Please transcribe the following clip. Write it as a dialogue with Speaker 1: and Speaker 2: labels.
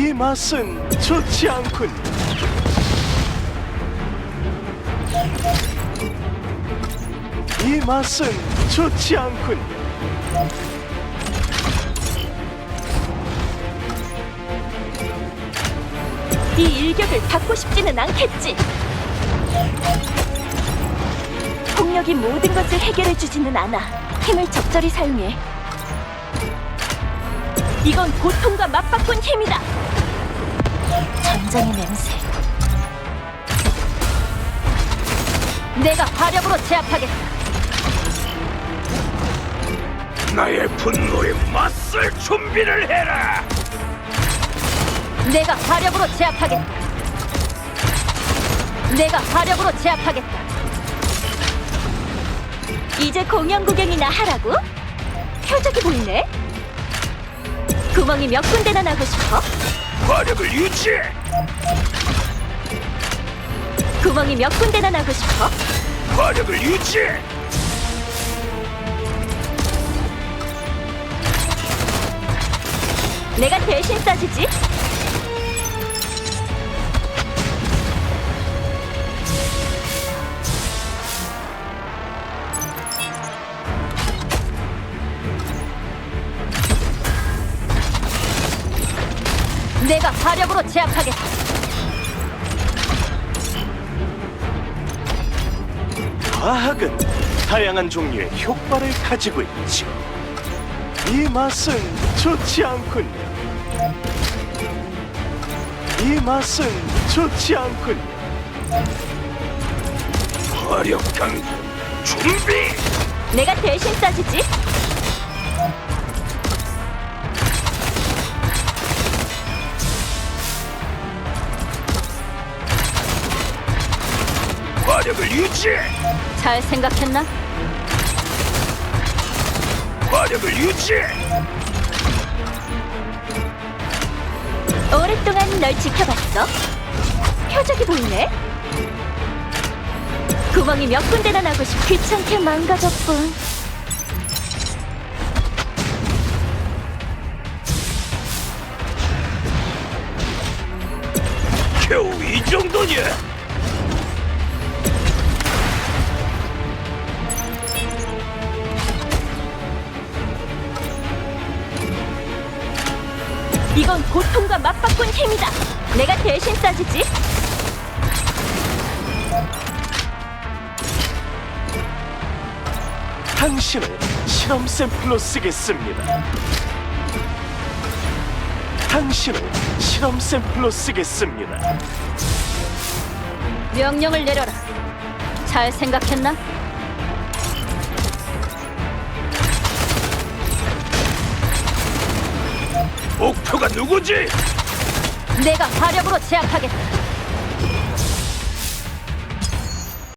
Speaker 1: 이 맛은 좋지 않군. 이 맛은 좋지 않군.
Speaker 2: 이 일격을 받고 싶지는 않겠지. 폭력이 모든 것을 해결해주지는 않아. 힘을 적절히 사용해. 이건 고통과 맞바꾼 힘이다. 전장의 냄새. 내가 화력으로 제압하겠다.
Speaker 3: 나의 분노에 맞설 준비를 해라.
Speaker 2: 내가 화력으로 제압하겠다. 내가 화력으로 제압하겠다. 이제 공연 구경이나 하라고? 표적이 보이네? 구멍이 몇 군데나 나고 싶어?
Speaker 3: 화력을 유지해.
Speaker 2: 구멍이 몇 군데나 나고 싶어?
Speaker 3: 화력을 유지해.
Speaker 2: 내가 대신 쏴주지. 내가 화력으로 제압하겠다.
Speaker 1: 과학은 다양한 종류의 효과를 가지고 있지. 이 맛은 좋지 않군. 이 맛은 좋지 않군.
Speaker 3: 화력 강도 준비.
Speaker 2: 내가 대신 쏴주지.
Speaker 3: 화력을 유지해.
Speaker 2: 잘 생각했나?
Speaker 3: 화력을 유지해.
Speaker 2: 오랫동안 널 지켜봤어. 표적이 보이네. 구멍이 몇 군데나 나고 싶어. 귀찮게 망가졌군.
Speaker 3: 겨우 이 정도냐?
Speaker 2: 이건 고통과 맞바꾼 힘이다. 내가 대신 쏴주지.
Speaker 1: 당신을 실험 샘플로 쓰겠습니다. 당신을 실험 샘플로 쓰겠습니다.
Speaker 2: 명령을 내려라. 잘 생각했나?
Speaker 3: 목표가 누구지?
Speaker 2: 내가 화력으로 제압하겠다.